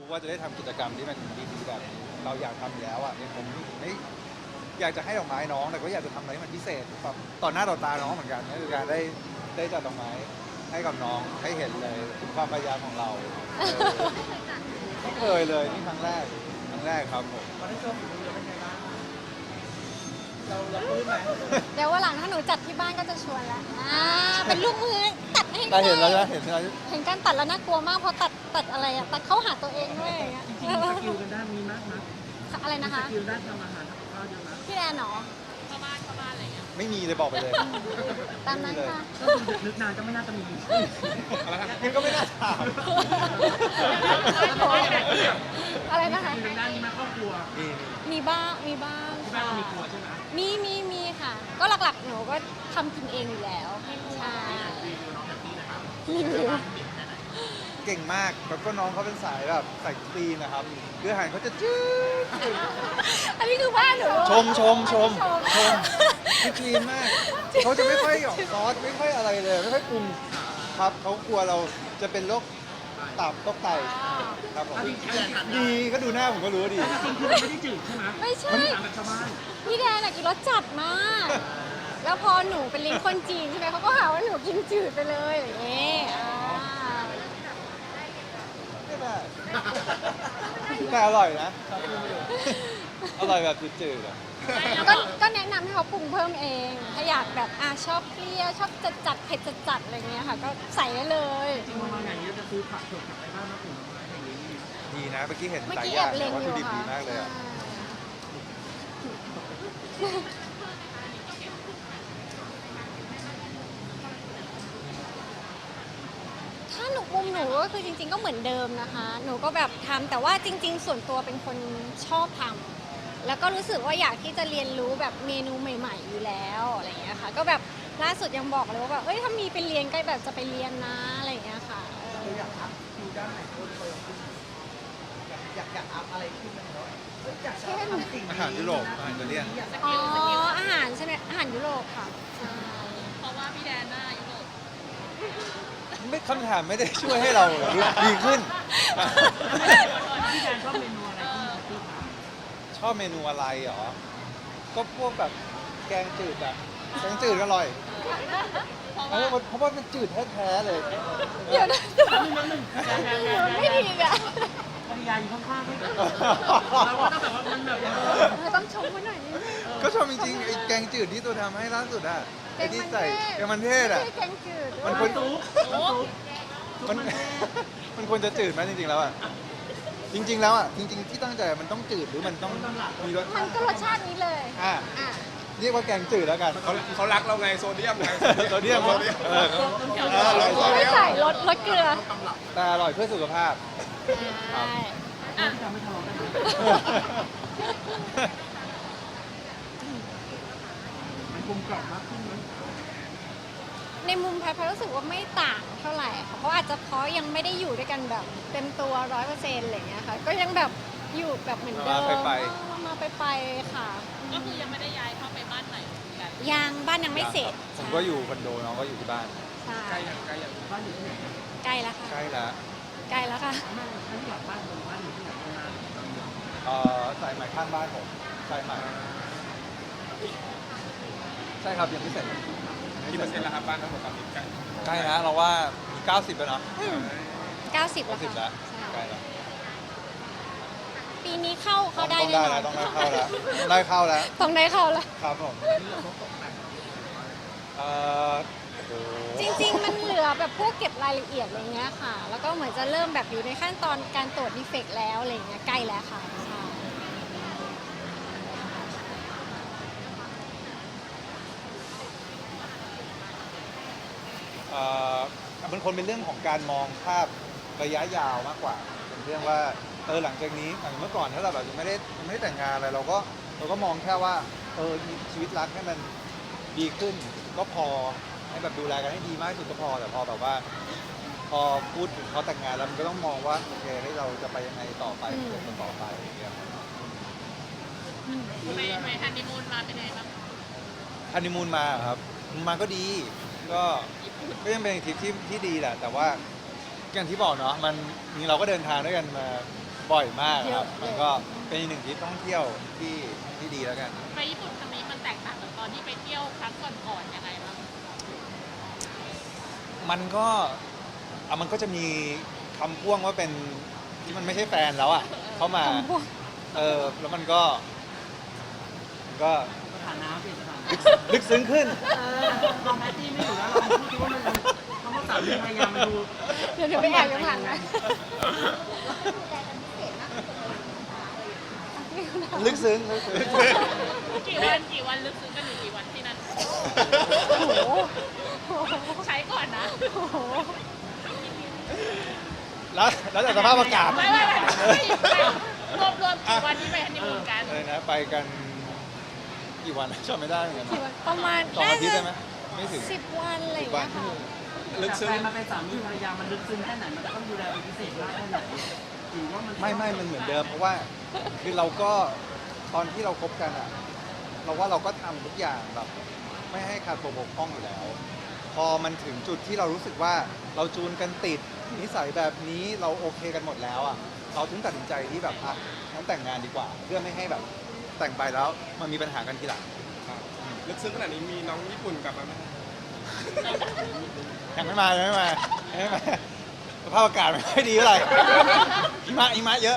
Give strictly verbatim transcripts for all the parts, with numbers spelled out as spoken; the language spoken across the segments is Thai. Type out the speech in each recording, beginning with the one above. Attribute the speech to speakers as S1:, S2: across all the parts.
S1: ว่าจะได้ทำกิจกรรมที่มันดีๆแบบนี้เราอยากทำอยู่แล้วอ่ะเนี่ยผมไม่อยากจะให้ดอกไม้น้องแต่ก็อยากจะทำอะไรให้มันพิเศษแบบต่อหน้าต่อตาน้องเหมือนกันก็คือการได้ได้จัดดอกไม้ให้กับน้องให้เห็นเลยถึงความพยายามของเราเออไม่เคยเลยนี่ครั้งแรกครั้งแรกครับผม
S2: ตอนที่โชว์ฝีมือเราเป็นไงบ้างเราเราปลื้มไหม
S3: เดี๋ยววันหลังถ้าหนูจัดที่บ้านก็จะชวนละอ่าเป็นลูกมือตัดให้
S1: แต่เห็นแล้ว
S3: ด้
S1: นะเห็นแล้ว
S3: เห็นการตัดแล้วน่ากลัวมากเพราะตัดตัดอะไรอะตัดเข้าหาตัวเองด้วยอย่างเงี้ย
S2: จริงๆสกิลกันด้านนี้มากนะ
S3: อะไรนะคะ
S2: สกิลด้านทำอาหารทำกับข้าวเยอะนะ
S3: พี่แอนเหรอ
S1: ไม่มีเลยบอกไปเลย
S3: ตามนั้นค่ะ
S2: ก็คือนึกนานก็ไม่น่าจะมี
S1: งั้นก็ไม่น่าถาม
S3: อะไรนะคะ
S2: สกิลด้านนี้มาครอบครัว
S1: นี่
S3: มีบ้างมีบ้าง
S2: ที่บ้าน
S3: ค่ะ
S2: เรามีครัวใช่ไหม
S3: มีมีมีค่ะ ก็หลักๆหนูก็ทำกินเองอยู่แล้วใช่รีวิว
S1: เก่งมากแล้วก็น้องเขาเป็นสายแบบสายคลีนนะครับคืออาหารเขาจะจืด
S3: อันนี้คือบ้านหนู
S1: ชมชมชมชมคือคลีนมากเขาจะไม่ค่อยหยอกซอสไม่ค่อยอะไรเลยไม่ค่อยปรุงครับเขากลัวเราจะเป็นโรคตับโรคไตครับผมดีก็ดูหน้าผมก็รู้ว่าดี
S2: แต่จริงๆคือมันไม่ได้จืดใช่ไหม
S3: ไม่ใช่
S2: มันถามแบบชาวบ้าน
S3: พี่แดนอะกินรสจัดมาก แล้วพอหนูเป็นลิ้นคนจีนใช่ไหมเขาก็หาว่าหนูกินจืดไปเลยอย่างเงี้ยอ่า
S1: ไม่ได้แต่อร่อยนะ อร่อยแบบจืดๆอ่ะ
S3: ก็ก็แนะนำให้เขาปรุงเพิ่มเอง ถ้าอยากแบบอ่ะชอบเปรี้ยวชอบจัดจัดเผ็ดจัดจัดอะไรเงี้ยค่ะ ก็ใส่ได้เลย
S2: จริงๆมาอย่างนี้จะซื้อผักสดกลับไปบ้านมาปลูกไม้อย่างนี้
S1: ดีนะเมื่อกี้เห็น
S3: เมื่อ
S1: หลาย
S3: กี้
S1: อ
S3: แอย่าง บเล็ง
S1: วัต
S3: อ
S1: ถุ
S3: ยู่
S1: ดิบ
S3: ค่ะ
S1: ดีมากเลยอ่ะ
S3: ถ้าหนูมุมหนูก็คือจริง ๆ ก็เหมือนเดิมนะคะ หนูก็แบบทำแต่ว่าจริง ๆ ส่วนตัวเป็นคนชอบทำแล้วก็รู้สึกว่าอยากที่จะเรียนรู้แบบเมนูใหม่ ๆ อยู่แล้วอะไรอย่างเงี้ยค่ะ ก็แบบล่าสุดยังบอกเลยว่าแบบเอ้ยถ้ามีไปเรียนก็แบบจะไปเรียนนะอะไรอย่างเงี้ยค่ะเออ
S2: เราอยากอัพคิวด้านไหนเพิ่มเติมขึ้นอยากอยากอัพอะไรขึ้นไหมเนาะเอ้ยอยากจะทำสิ่งนี้
S1: อาหารยุโรปอาหารอิตาเลียน
S3: อ๋ออาหารใช่ไหมอาหารยุโรปค่ะใช่
S4: เพราะว่าพี่แดนหน้ายุโรป
S1: ไม่คำถามไม่ได้ช่วยให้เราดีขึ้น
S2: พี่แดนชอบเมนูอะไรที่ที่ทาน
S1: ชอบเมนูอะไรเหรอ ก็พวกแบบแกงจืดอะแกงจืดก็อร่อยเออเพราะว่ามันจืดแท้ๆเลย
S3: เดี๋ยวนะ
S2: นิดนึงแดนแดนแดน
S3: ไม่ดีอ่ะ
S2: ภรรยาอยู่ข้างๆด้วยเราก็ต้องแบบว่ามันแบบ
S3: เออต้องชมเขาหน่อยนิดนึง
S1: ก็ชอบจริงๆไอ้แกงจืดที่ตัวทำให้ล่าสุดอะไอ้ที่ใส่แกงมันเทศอะ
S3: ไม่ใช่แกงจืด
S1: มัน
S3: ด้
S1: ค
S3: วย
S1: น
S2: ตุ๊กตุ๊ก
S1: มัน มันควรจะจืดไหมจริงๆแล้วอะจริง ๆ แล้วอะจริง ๆ ที่ตั้งใจมันต้องจืดหรือมันต้องมีรส
S3: มันก็รสชาตินี้เลย
S1: อ่ะ
S3: อ่ะ
S1: เรียกว่าแกงจืดแล้วกัน
S5: เขาเขารักเราไงโซเดียมไง
S1: โซเดียม
S5: โซเดียม
S1: เออ
S5: เออลดโซเดี
S3: ไม่
S5: ยม
S3: ใส่รสรสเกลือ
S1: แต่อร่อยเพื่อสุขภาพ
S3: ใช่
S2: ที่ทำให้ทะเลาะกันมันกลมกล่อมมากขึ้นไหม
S3: ในมุมแพทย์แพทย์รู้สึกว่าไม่ต่างเท่าไหร่ค่ะเพราะอาจจะเพราะยังไม่ได้อยู่ด้วยกันแบบเต็มตัวร้อยเปอร์เซ็นต์อะไรอย่างเงี้ยค่ะ ก็ยังแบบอยู่แบบเหมือนเดิม
S1: มาไป
S3: มามาไปไปค่ะ
S4: ก็คือยังไม่ได้ย้ายเข้าไปบ้านไหนเหมือนกัน
S3: ยังบ้านยังไม่เสร็จ
S1: ผมก็อยู่คอนโดน้องก็อยู่ที่บ้าน
S3: ใช่
S5: ใกล้อย่างใกล้อย่าง
S2: บ้านอยู่ที่ไหน
S3: ใกล้แล้วค่ะ
S1: ใกล้แล้ว
S3: ใกล้แล้วค่ะ
S2: แม่ถ้าที่อยากบ้านตรงบ้านอยู่ที่ไหนตรงนั้น
S1: เอ่อสายใหม่ข้างบ้านผมสายใหม่ใช่ครับยังไม่เสร็จ
S5: กี่เปอร์เซ็นต์แล้วครับบ้านทั้งหมดตอนนี้ใกล้
S1: ใกล้นะเราว่ามีเก้าสิบแล้วเนาะ
S3: เก้าสิบแล้ว
S1: เก้าสิบ
S3: ค่ะ
S1: แล้ว
S3: ใช่
S1: ใกล้แล้ว
S3: ปีนี้เข้าเข้าได้
S1: ต้อง
S3: แน่
S1: ได้
S3: นอ
S1: แล้ว
S3: น
S1: ต้องได้เข้าแล้วได้เข้าแล้ว
S3: ต้องได้เข้าแล้ว
S1: ครับผมเอ่อโอ้โห
S3: จริงๆ มันเหลือแบบพวกเก็บรายละเอียดอะไรเงี้ยค่ะ แล้วก็เหมือนจะเริ่มแบบอยู่ในขั้นตอนการตรวจดีเฟกต์แล้วอะไรเงี้ยใกล้แล้วค่ะใช่
S1: เอ่อมันคนเป็นเรื่องของการมองภาพระยะยาวมากกว่า เป็นเรื่องว่าเออหลังจากนี้อย่างเมื่อก่อนถ้าเราแบบยังไม่ได้ยังไม่ได้แต่งงานอะไรเราก็เราก็มองแค่ว่าเออชีวิตรักให้มันดีขึ้นก็พอให้แบบดูแลกันให้ดีมากที่สุดก็พอแต่พอแบบว่า พอพูดถึงเขาแต่งงานแล้วมันก็ต้องมองว่าโอเคให้เราจะไปยังไงต่อไปเดินต่อไปอย่างเงี้ย
S4: ไปไปฮันนีมูนมาเป็นไงบ้าง
S1: ฮันนีมูนมาเหรอครับมาก็ดีก็ก็ยังเป็นทริปที่ที่ดีแหละแต่ว่าอย่างที่บอกเนาะมันนี่เราก็เดินทางด้วยกันมาบ่อยมากครับ
S3: เยอะเลย
S1: มันก็เป็นอีกหนึ่งทริปท่องเที่ยวที่ที่ดีแล้วกัน
S4: ไปญี่ปุ่นครั้งนี้มันแตกต่างจากตอนที่ไปเที่ยวครั้งก่อนๆยังไงบ้าง
S1: มันก็อ่ะมันก็จะมีคำพ่วงว่าเป็นที่มันไม่ใช่แฟนแล้วอ่ะเข้ามา
S3: คำพูด
S1: เออแล้วมันก็มันก็
S2: สถานะเปลี่ยนสถานะ
S1: ลึกลึกซึ้งขึ้น
S2: เออลองแพตตี้ไม่อยู่แล้วลองพูดดูว่ามันคำว่าสามีภรรยามันดู
S3: เดี๋ยวเดี๋ยวไปแอบอยู่ข้างหลังนะ
S1: ลึกซึ้งลึกซึ้ง
S4: กี่วันกี่วันลึกซึ้งกันอยู่กี่วันที่นั่น
S3: โอ้โหโอ้โห
S4: ใช้ก่อนนะ
S3: โอ้โห
S1: แล้วแล้วแต่สภาพอากาศ
S4: ไม่ไม่ไม่ไม่รวมรวมกี่วันที่ไปฮันนีมูนกัน
S1: เลยนะไปกันกี่วันจำไม่ได้เหมือนกัน
S3: กี่วันประมาณ
S1: สอง
S3: น่า
S1: อาทิตย์
S3: จะ
S1: ได้ไหมไม่ถึง
S3: สิบวันอะไรอย่างเงี้ยค่ะ
S5: ลึก
S2: จาก
S5: ซึ้
S2: แฟ
S5: ง
S2: นมาเป็นสามีภรรยามันลึกซึ้งแค่ไหนมันจะต้องดูแลเป็นพิเศษมากแค่ไหนหรือว่ามัน
S1: ไม่ไม่มันเหมือนเดิมเพราะว่าคือเราก็ตอนที่เราคบกันอ่ะ เราว่าเราก็ทำทุกอย่างแบบไม่ให้ขาดตัวบกพร่องอยู่แล้ว พอมันถึงจุดที่เรารู้สึกว่าเราจูนกันติดนิสัยแบบนี้เราโอเคกันหมดแล้วอ่ะเราถึงตัดสินใจที่แบบอ่ะงั้นแต่งงานดีกว่า เพื่อไม่ให้แบบแต่งไปแล้วมันมีปัญหากันทีหลัง
S5: ลึกซึ้งขนาดนี้มีน้องญี่ปุ่นกลับมาไหม
S1: ยังไม่มายังไม่มายังไม่มาสภาพอากาศไม่ค่อยดีเท่าไหร่หิมะหิมะเยอะ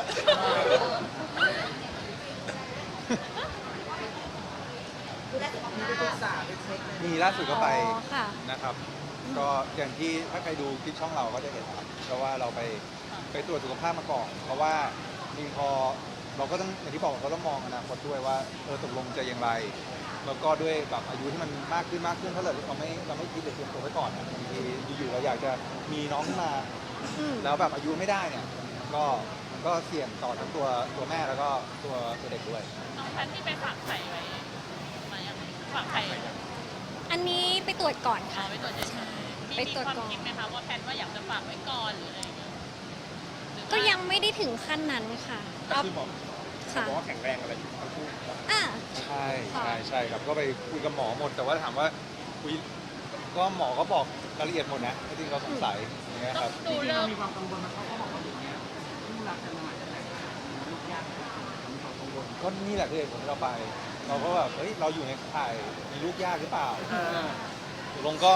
S2: มีไปปรึกษาไปเช็คเลย
S1: มีล่าสุดก็ไป
S3: อ๋อค่ะ
S1: นะครับ ก็อย่างที่ถ้าใครดูคลิปช่องเราก็จะเห็นครับเพราะว่าเราไปไปตรวจสุขภาพมาก่อน เพราะว่าจริงพอเราก็ต้องอย่างที่บอกเราต้องมองอนาคตด้วยว่าเออตกลงจะอย่างไร แล้วก็ด้วยแบบอายุที่มันมากขึ้นมากขึ้นถ้าเราเราไม่เราไม่คิดหรือเตรียมตัวไว้ก่อนอะบางทีอยู่ๆเราอยากจะมีน้องขึ้นมา
S3: อืม
S1: แล้วแบบอายุไม่ได้เนี่ยก็มันก็เสี่ยงต่อทั้งตัวตัวแม่แล้วก็ตัวตัวเด็กด้วย
S4: น้องแพนที่ไปฝากไข่ไว้มายังไงฝากไข่
S3: อันนี้ไปตรวจก่อน
S4: เอา
S3: ค่ะ
S4: ไว้ตรวจเฉยๆมี
S3: ไป
S4: มี
S3: ตรวจ
S4: ความ
S3: ก่อน
S4: คิดไหมคะว่าแพนว่าอยากจะฝากไว้ก่อนหรืออะไรอย่างเงี้ยหรือว่า
S3: ก็ยังไม่ได้ถึงขั้นนั้นค่ะเอา
S5: คือบอก
S3: ค่ะ
S5: บอกว่าแข็งแรงอะไรอยู่ทั้งคู่
S3: อ่ะ
S1: ใช่
S3: ค่ะ
S1: ใช่ใช่ครับก็ไปคุยกับหมอหมด แต่ว่าถามว่าคุยก็หมอก็บอกรายละเอียดหมดนะที่เราสงสัยอย่างเงี้ย
S4: ต้
S1: ค
S4: อ
S1: รับ
S4: ง
S2: จ
S4: ดู
S2: ริงๆ
S4: เลิ
S2: เรา
S4: ก
S2: มีความกังวลมันเขาก็บอกว่าอย่างเงี้ยคู่รักกันมาจะแต่งงานลูกยากมีความกังวล
S1: ก็นี่แหละคือเหตุผลที่เราไป เราก็แบบเฮ้ยเราอยู่ในข่ายมีลูกยากหรือเปล่า
S2: เออ
S1: ตกลงก็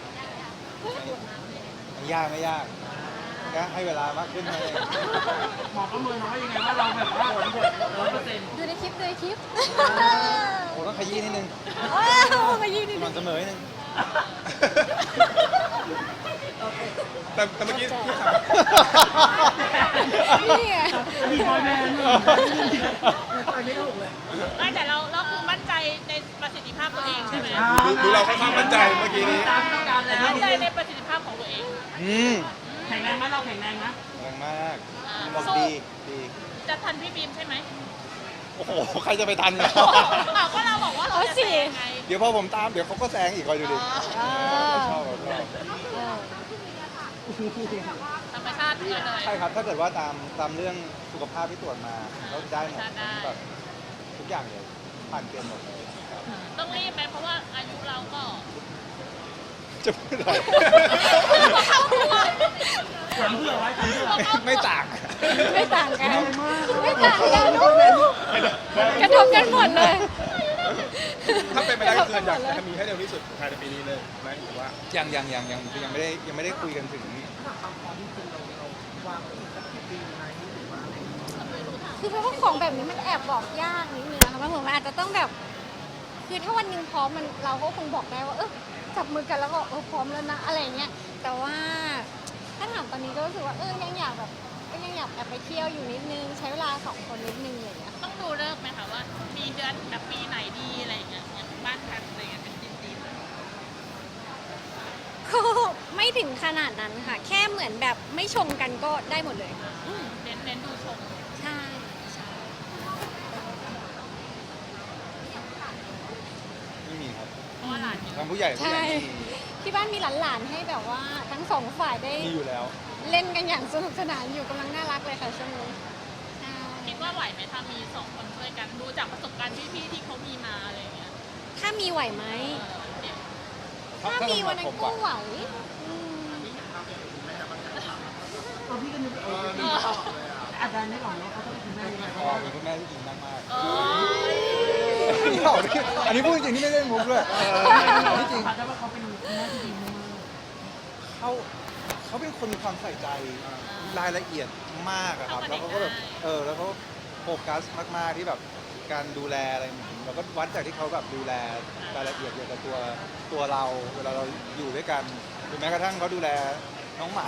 S1: ไม่ยากไม่ยากแค่ให้เวลามากขึ้นไหม
S2: หมอประเมินเราว่ายังไงว่าเราแบบว่าร้อยเปอร์เซ็นต์
S3: ดูในคลิปดูในคลิป
S1: โอ้ต้องขยี้นิดนึง
S3: ว้าวมายืน
S1: ส
S3: ดิ
S1: ม่ำเสมอนิดนึง
S5: แต่แต่เมื่อกี้ที่ถาม
S3: นี่ไง
S2: อดีตบอยแบนด์ไปไม่ถูกเลย
S4: ไม่แต่เราเราคือมั่นใจในประสิทธิภาพตัวเองใช่ไหม
S5: ดูดูเราค่อนข้างมั่นใจเมื่อกี้นี้
S2: ตามต้องการแล้ว
S4: มั่นใจในประสิทธิภาพของตัวเอง
S1: อืม
S2: แข็งแรงไหมเราแข็งแรงนะ
S1: แรงมาก
S4: อ่า
S1: บอกดีดี
S4: จะทันพี่บีมใช่ไหม
S1: โอ้โหใครจะไปทัน
S4: อ้าวก็เราบอกว่าเราจะแซงไง
S1: เดี๋ยวพอผมตามเดี๋ยวเขาก็แซงอีกคอยดูดิ
S3: อ่า
S1: ชอบชอบ
S3: เออ
S4: ธรรมชาติเลยเลย
S1: ใช่ครับ ถ้าเกิดว่าตามตามเรื่องสุขภาพที่ตรวจมาเราได้หมด
S4: ได้
S1: แบบทุกอย่างเลยผ่านเกณฑ์หมดเลยครับ
S4: ต้องรีบไหมเพราะว่าอายุเราก็
S1: จะพูดอะไร
S4: เข้าตัว
S2: ถามเพื่อไว้ถามเพื่อ
S1: ไม่ต่าง
S3: ไม่ต่างกัน ไม่ต่างกันกระทบกันหมดเลย
S5: ถ้าเป็นไปได้ก็คืออยากจะมีให้เร็วที่สุดภายในปีนี้เลยไหมหรือว่า
S1: ยังยังยังยังยังไม่ได้ยังไม่ได้คุยกันถึง
S2: ความพร้อมที่จริงเราเราวางไว้อีกสักกี่ปีไหมหรือว่าอะไร
S3: คือเพราะว่าของแบบนี้มันแอบบอกยากนิดนึงนะคะมันเหมือนมันอาจจะต้องแบบ คือถ้าวันหนึ่งพร้อมมันเราก็คงบอกได้ว่า เออจับมือกันแล้วก็เออพร้อมแล้วนะอะไรเงี้ย แต่ว่าถ้าถามตอนนี้ก็รู้สึกว่าเออยังอยากแบบก็ยังอยากแอบไปเที่ยวอยู่นิดนึง ใช้เวลาสองคนนิดนึงอะไรเงี้ย
S4: ต้องดูเลิกษ์ไหมคะว่า มีเดือนแบบปีไหนดีอะไรอย่างเงี้ยอย่างบ้านแพนอะไรเงี้ยเป็นจีน
S3: ก็ไม่ถึงขนาดนั้นค่ะ แค่เหมือนแบบไม่ชงกันก็ได้หมดเลย
S4: ๆอืมเน้นเน้นดูชม
S3: ใช่ใช่
S1: ไม่มีครับ
S4: เพราะว่าหลานเยอะ
S1: ทางผู้ใหญ่ผู้ให
S3: ใช่
S1: ญ่
S3: ที่บ้านมีหลานๆให้แบบว่าทั้งสองฝ่ายได้
S1: มีมีอยู่แล้ว
S3: เล่นกันอย่างสนุกสนานอยู่กำลังน่ารักเลยค่ะช่วงนี้ใช่
S4: คิดว่าไหวไหมถ้ามีสองคนช่วยกันดูจากประสบการณ์พี่ๆที่เขามีมาอะไรอย่างเงี้ย
S3: ถ้ามีไหวไหม
S4: เออเนี่ย
S3: ถ้ามีวันนั้นก็ไหวอืม
S2: ตัวพี่ก็นึกเออ
S4: เออ
S2: อาจารย์ไม่หวังว่าเขาต้องเป็นคุณแม่ยังไง
S1: อ๋อเป็นคุณแม่ที่ดีมากมาก
S4: โอ้ย
S1: ๆนี่บอกนี่อันนี้พูดจริงที่ไม่ได้มุกด้วยที่จริง
S2: อาจารย์ว่าเขาเป็นคุณแม่ที่ดีมาก
S1: เขาเขาเป็นคนมีความใส่ใจรายละเอียดมากอะครับแล้วเขาก็แบบเออแล้วเขาโฟกัสมากๆที่แบบการดูแลอะไรเราก็วัดจากที่เขาแบบดูแลรายละเอียดเกี่ยวกับตัวตัวเราเวลาเราอยู่ด้วยกันหรือแม้กระทั่งเขาดูแลน้องหมา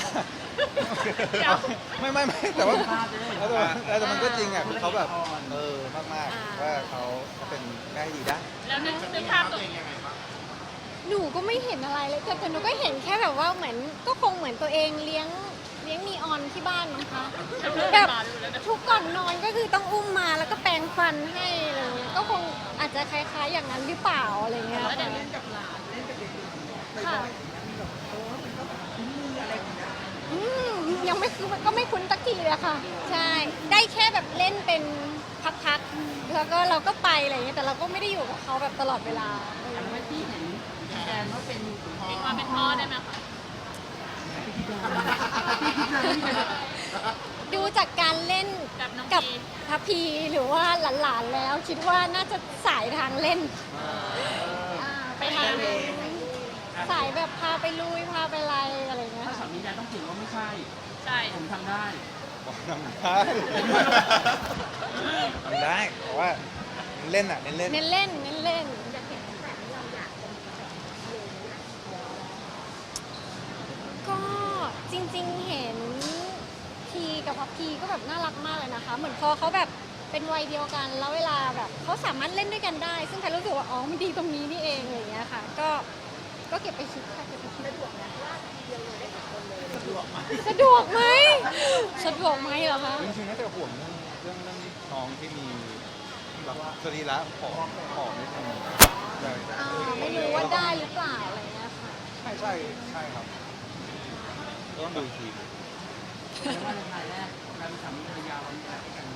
S1: ไม่ไม่ไม่แต่ว่าแล้วแต่ว่าแต่มันก็จริงอ่ะคือเขาแบบเออมากๆว่าเขาเขาเป็นแม่ที่ดีได้
S4: แล้วนึกนึกภาพตัว
S3: หนูก็ไม่เห็นอะไรเลยแต่แต่หนูก็เห็นแค่แบบว่าเหมือนก็คงเหมือนตัวเองเลี้ยงเลี้ยงนีออนที่บ้านมั้งคะแบบทุกก่อนนอนก็คือต้องอุ้มมาแล้วก็แปรงฟันให้อะไรเงี้ยก็คงอาจจะคล้ายๆอย่างนั้นหรือเปล่าอะไรเงี้ย
S2: แล้ว
S3: ค่ะ
S2: เดี๋ยวเล่นกับหลานเล่นกับเด็กๆ
S3: ค่ะ
S2: มีแบบโอ้มันก็แบบคุ้นมืออะไรอย่างเงี้ย
S3: อืมยังไม่คือก็ไม่คุ้นสักทีเลยอะค่ะ ใช่ ได้แค่แบบเล่นเป็นพักๆแล้วก็เราก็ไปอะไรเงี้ยแต่เราก็ไม่ได้อยู่กับเขาแบบตลอดเวลา
S2: อันว่าที่เห็นแอนว่าเป็นพ่อ
S4: มีความเป็นพ่อได้ไหมคะ
S3: ดูจากการเล่น
S4: กับน้อง
S3: กับ
S4: พี
S3: ทัพพีหรือว่าหลานๆแล้ว คิดว่าน่าจะสายทางเล่นอ่าไปทางสายแบบพาไปลุยพาไปอะไรอะไรเงี้ย
S2: ถ้าสา
S3: ค่ะ
S2: มีแอนต้องถือว่าไม่ใช่
S4: ใช่
S2: ผมทำได้
S1: บอกทำได้ทำได้แต่ว่าเล่นอ่ะเน้นเล่น
S3: เน้นเล่นเน้นเล่น ก็จริงๆเห็นพีกับพับพีก็แบบน่ารักมากเลยนะคะ เหมือนพอเขาแบบเป็นวัยเดียวกันแล้วเวลาแบบเขาสามารถเล่นด้วยกันได้ ซึ่งแพรรู้สึกว่าอ๋อมันดีตรงนี้นี่เองอะไรอย่างเงี้ยค่ะ ก็ก็เก็บไปคิดค่ะเก็บไปคิดสะดวกไหมสะดวกไหมสะดวกไหมเหรอคะ
S1: จริงๆน่าจะห่วงเรื่องเรื่องเรื่องน้องที่มีแบบสรีระผอมผอมนิดนึงใช่
S3: อ่าไม่รู้ว่าได้หรือเปล่าอะไรเงี้ยค่ะ
S1: ใช่ใช่ใช่ครับก็ต้องดูอีกที
S2: แล้วว่าในรายแรกเราเป็นสามีภรรยาเรามีอะไรกัน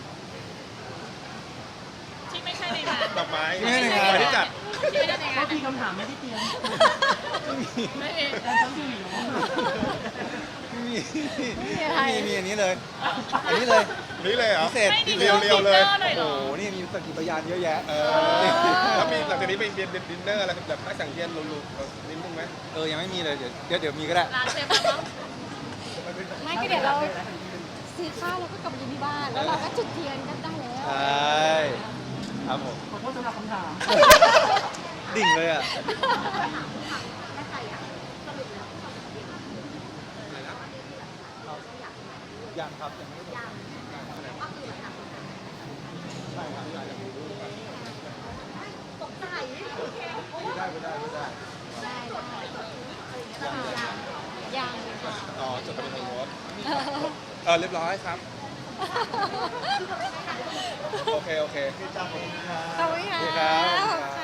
S4: ที่ไม่ใช่ในงาน
S5: ดอกไม้
S1: ไม่ได้ในงาน
S5: ที่จัด
S4: ที่ไม่ได้ในงา
S2: ก็
S4: น
S2: ที่คำถามไม่ได้เตรียม
S4: ไม่มี
S2: แต่ต้องดูอยู่
S1: ไม่มี
S3: ไม่มีอะไร
S1: มีมีอันนี้เลย อันนี้เลย
S5: นี่เลยเหรอ
S1: พิเศษ
S4: ไม่ดี
S5: เรียวๆ
S4: ดิน
S5: เลย
S4: นอร์หน่อยเหร
S1: โอ้
S4: อ
S1: โหนี่มีสกิปยานเยอะแยะ
S5: เออแล้วมีหลังจากนี้ไปเรียนดินเนอร์อะไรแบบพักสังเกตลุๆนิดนึงไหม
S1: เออยังไม่มีเลยเดี๋ยวเดี๋ยวเดี๋ยวมีก็ได้
S4: ร้านเซฟแล้วมั้ง
S3: ไม่ก็เดี๋ยวเราซื้อข้าวแล้วก็กลับมากินที่บ้าน แล้วเราก็จุดเทียนกันได้แล้ว
S1: ใช่ครับผม
S2: ขอโทษสำหรับคำถาม
S1: ดิ่งเลยอ่ะยังครับยังไม่ได้ยังใช่ครับยังไม่รู้ตกใจไม่ได้ไม่ได้ไม่ได้
S3: ได้ได้ยังยังค่ะ
S5: อ๋อจดทะเบียนสมรสเออเรียบร้อยครับ โอเค โอเค
S3: ขอบคุณ
S1: สวัสดีครั
S3: ค่ะ
S1: บ